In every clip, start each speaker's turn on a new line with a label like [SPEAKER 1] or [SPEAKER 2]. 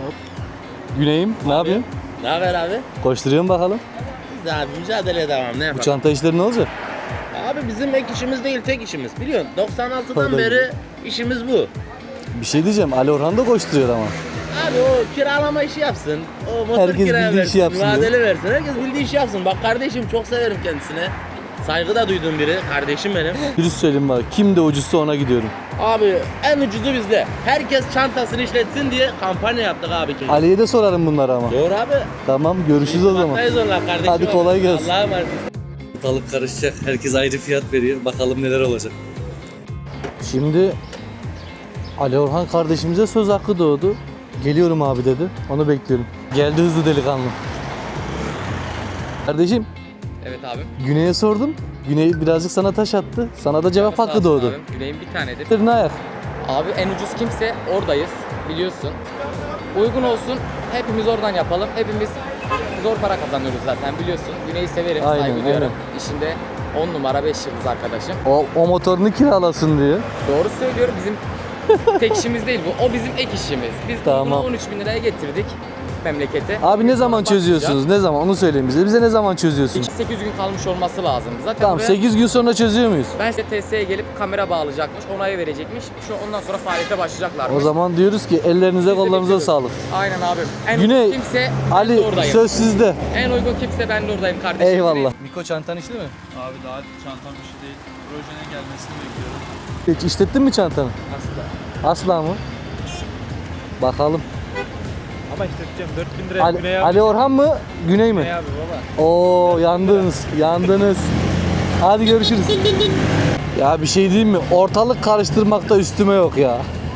[SPEAKER 1] Hop. Güney'im, ne yapıyorsun?
[SPEAKER 2] Ne haber abi?
[SPEAKER 1] Koşturuyorum bakalım.
[SPEAKER 2] Biz de abi mücadeleye devam, ne
[SPEAKER 1] Bu
[SPEAKER 2] yapalım?
[SPEAKER 1] çanta işleri ne olacak?
[SPEAKER 2] Abi bizim ek işimiz değil, tek işimiz. Biliyorsun 96'dan
[SPEAKER 1] Tabii.
[SPEAKER 2] beri işimiz bu.
[SPEAKER 1] Bir şey diyeceğim, Ali Orhan da koşturuyor ama.
[SPEAKER 2] Abi o kiralama işi yapsın. O motor
[SPEAKER 1] Herkes
[SPEAKER 2] kiraya
[SPEAKER 1] bildiği
[SPEAKER 2] versin,
[SPEAKER 1] işi yapsın
[SPEAKER 2] mücadele versin. Herkes bildiği işi yapsın. Bak kardeşim, çok severim kendisine. Saygı da duyduğum biri. Kardeşim benim.
[SPEAKER 1] Dürüst söyleyeyim bak, kim de ucuzsa ona gidiyorum.
[SPEAKER 2] Abi en ucuzu bizde. Herkes çantasını işletsin diye kampanya yaptık abi.
[SPEAKER 1] Ali'ye de sorarım bunları ama.
[SPEAKER 2] Doğru abi.
[SPEAKER 1] Tamam, görüşürüz o zaman.
[SPEAKER 2] Baktayız onlar kardeşim.
[SPEAKER 1] Hadi kolay gelsin.
[SPEAKER 2] Allah'a emanet.
[SPEAKER 1] Ortalık karışacak, herkes ayrı fiyat veriyor. Bakalım neler olacak. Şimdi Ali Orhan kardeşimize söz hakkı doğdu. Geliyorum abi dedi. Onu bekliyorum. Geldi hızlı delikanlı. Kardeşim,
[SPEAKER 3] Evet abi.
[SPEAKER 1] Güney'e sordum. Güney birazcık sana taş attı. Sana da cevap
[SPEAKER 3] Sağ
[SPEAKER 1] hakkı
[SPEAKER 3] olsun
[SPEAKER 1] doğdu.
[SPEAKER 3] abim. Güney'in bir tanedir.
[SPEAKER 1] Ne ayak?
[SPEAKER 3] Abi en ucuz kimse oradayız biliyorsun. Uygun olsun hepimiz oradan yapalım. Hepimiz zor para kazanıyoruz zaten biliyorsun. Güney'i severim,
[SPEAKER 1] Aynen,
[SPEAKER 3] saygı duyuyorum.
[SPEAKER 1] aynen.
[SPEAKER 3] İşinde 10 numara 5 yıldız arkadaşım.
[SPEAKER 1] O motorunu kiralasın diyor.
[SPEAKER 3] Doğru söylüyorum, bizim tek işimiz değil bu. O bizim ek işimiz. Biz
[SPEAKER 1] Tamam.
[SPEAKER 3] bunu 13.000 liraya getirdik memlekete.
[SPEAKER 1] Abi ne
[SPEAKER 3] Biz
[SPEAKER 1] zaman
[SPEAKER 3] ona
[SPEAKER 1] çözüyorsunuz? Ne zaman? Onu söyleyin bize. Bize ne zaman çözüyorsunuz?
[SPEAKER 3] 8 gün kalmış olması lazım. Zaten
[SPEAKER 1] Tamam,
[SPEAKER 3] buraya
[SPEAKER 1] 8 gün sonra çözüyor muyuz?
[SPEAKER 3] ben size TSE'ye gelip kamera bağlayacakmış, onayı verecekmiş. Ondan sonra faaliyete başlayacaklarmış.
[SPEAKER 1] O zaman diyoruz ki ellerinize
[SPEAKER 3] Biz de
[SPEAKER 1] kollarınıza
[SPEAKER 3] bekliyoruz.
[SPEAKER 1] sağlık.
[SPEAKER 3] Aynen abim. En
[SPEAKER 1] Güney,
[SPEAKER 3] uygun kimse ben de
[SPEAKER 1] Ali
[SPEAKER 3] oradayım.
[SPEAKER 1] söz sizde.
[SPEAKER 3] En uygun kimse ben de oradayım kardeşim.
[SPEAKER 1] Eyvallah. Miko çantan işli mi?
[SPEAKER 4] Abi daha çantam işi değil. Projenin gelmesini bekliyorum.
[SPEAKER 1] Hiç işlettin mi çantanı?
[SPEAKER 4] Asla.
[SPEAKER 1] Asla mı? Bakalım.
[SPEAKER 4] Ama işleteceğim 4000 liraya Güney abi.
[SPEAKER 1] Ali Orhan mı? Güney mi?
[SPEAKER 4] Güney abi baba.
[SPEAKER 1] Oo, yandınız. Yandınız. Hadi görüşürüz. Ya bir şey diyeyim mi? Ortalık karıştırmakta üstüme yok ya.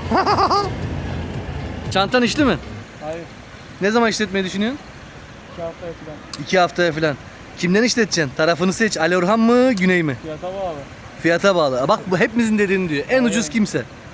[SPEAKER 1] Çantan işli mi?
[SPEAKER 4] Hayır.
[SPEAKER 1] Ne zaman işletmeyi düşünüyorsun?
[SPEAKER 4] 2 haftaya falan.
[SPEAKER 1] 2 haftaya falan. Kimden işleteceksin? Tarafını seç. Ali Orhan mı, Güney mi?
[SPEAKER 4] Fiyata bağlı.
[SPEAKER 1] Fiyata bağlı. Bak bu hepimizin dediğini diyor. En ucuz kimse.